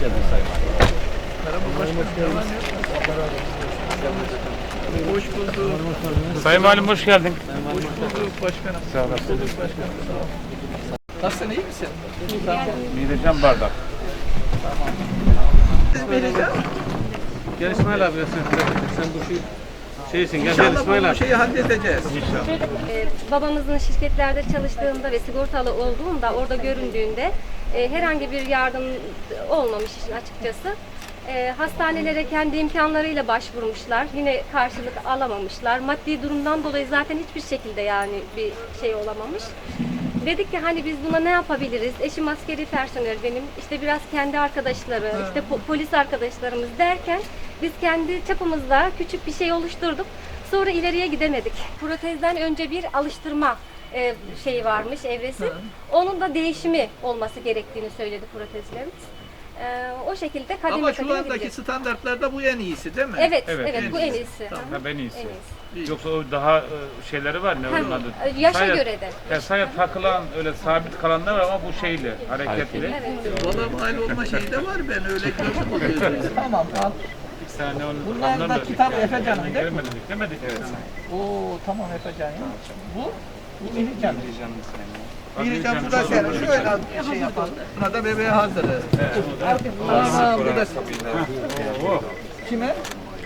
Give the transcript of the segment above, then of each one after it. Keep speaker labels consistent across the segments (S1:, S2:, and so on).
S1: geldiniz Sayın Valim.
S2: Merhaba başkanım. Hoş bulduk.
S3: Sayın Valim hoş geldin.
S2: Hoş bulduk başkanım.
S3: Sağ olasın.
S2: Hoş bulduk başkanım. Sağ ol. Nasılsın, iyi misin?
S3: Mideceğim bardak.
S2: Siz vereceğim.
S1: Gel İsmail abi sen bu şeysin gel
S2: İnşallah
S1: İsmail
S2: bu
S1: abi.
S2: şeyi halledeceğiz.
S4: Babamızın şirketlerde çalıştığında ve sigortalı olduğunda orada göründüğünde herhangi bir yardım olmamış işin açıkçası. Hastanelere kendi imkanlarıyla başvurmuşlar. Yine karşılık alamamışlar. Maddi durumdan dolayı zaten hiçbir şekilde yani bir şey olamamış. Dedik ki hani biz buna ne yapabiliriz? Eşim askeri personel benim. İşte biraz kendi arkadaşları, işte polis arkadaşlarımız derken biz kendi çapımızda küçük bir şey oluşturduk. Sonra ileriye gidemedik. Protezden önce bir alıştırma şeyi varmış, evresi. Onun da değişimi olması gerektiğini söyledi protezlerimiz. O şekilde kademe
S2: Ama şu
S4: kademe
S2: andaki
S4: gideceğiz.
S2: standartlarda bu en iyisi değil mi?
S4: Evet,
S3: Evet,
S4: evet,
S3: en
S4: bu en
S2: iyisi.
S4: iyisi.
S2: Tamam.
S4: Hı hı.
S3: Ha, ben iyisi.
S4: En iyisi.
S3: Yoksa o daha şeyleri var ne onun adı?
S4: Yaşa
S3: Sadece-
S4: göre de.
S3: Yani sadece takılan öyle sabit kalanlar var ama bu şeyli, hareketli.
S4: Evet.
S2: Valla mal olma şeyi de var, ben öyle gördüm oluyor. Tamam al.
S3: Bir saniye onu
S2: Bunlar da
S3: anlamadık.
S2: kitap Efecan'ın değil mi?
S3: Demedik, demedik. Evet.
S2: Oo tamam Efecan ya. Bu Mihrican.
S3: Bak,
S2: Mihrican
S3: Mihrican
S2: bu da
S3: çok
S2: şöyle
S3: hoş.
S2: şey yapalım. Buna da bebeğe hazırı. Aa, bu da kime?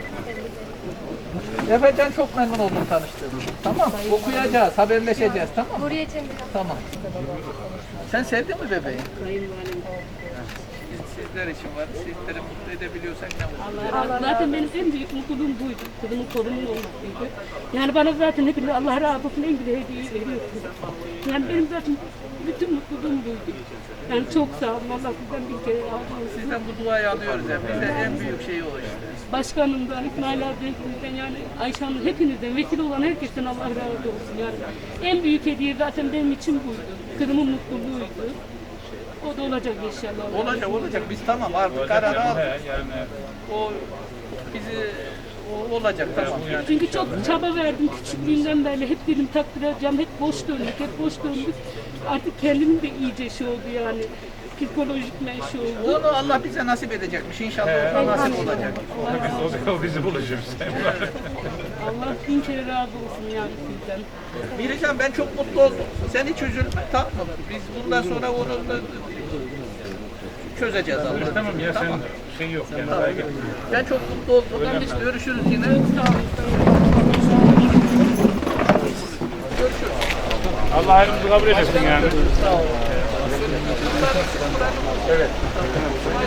S2: Efecan çok memnun oldum tanıştığım. Tamam. Okuyacağız, haberleşeceğiz. Tamam.
S4: Buraya çevirelim.
S2: Tamam. Sen sevdin mi bebeği? Biz sizler için var. Sizleri mutlu edebiliyorsak ne mutlu.
S5: Zaten benim en büyük mutluluğum buydu. Kızımın torunun olmasıydı. Yani bana zaten hepiniz Allah razı olsun en güzel hediyeyi veriyorsunuz. Yani benim zaten bütün mutluluğum buydu. Yani çok sağ olun. Allah sizden bir kere razı olsun.
S2: Sizden bu duayı alıyoruz hep. Bize en büyük şey o işte.
S5: Başkanımdan, İsmail abimden yani Ayşe Hanım hepinizden, vesile olan herkesten Allah razı olsun. Yani en büyük hediye zaten benim için buydu. Kızımın mutluluğuydu. O da olacak inşallah.
S2: Olacak. Biz tamam artık kararı aldık.
S3: Yani
S2: O bizi olacak tamam yani.
S5: Çünkü çok çaba verdim küçüklüğünden beri. Hep dedim takdir edeceğim. Hep boş döndük. Artık kendimin de iyice şey oldu yani. Psikolojik şey oldu.
S2: Onu Allah bize nasip edecekmiş. İnşallah o da nasip olacak.
S3: o bizi bulacak.
S5: Allah bin kere razı olsun yani sizden.
S2: Mihrican ben çok mutlu oldum. Sen hiç üzülme tamam mı? Biz bundan sonra onu da çözeceğiz Allah'ım.
S3: Tamam ya sen şey yok yani.
S2: Tamam. Ben çok mutlu oldum. Görüşürüz yine. Görüşürüz.
S3: Allah hayrımızı kabul etsin yani.
S2: Sağ olun. Evet.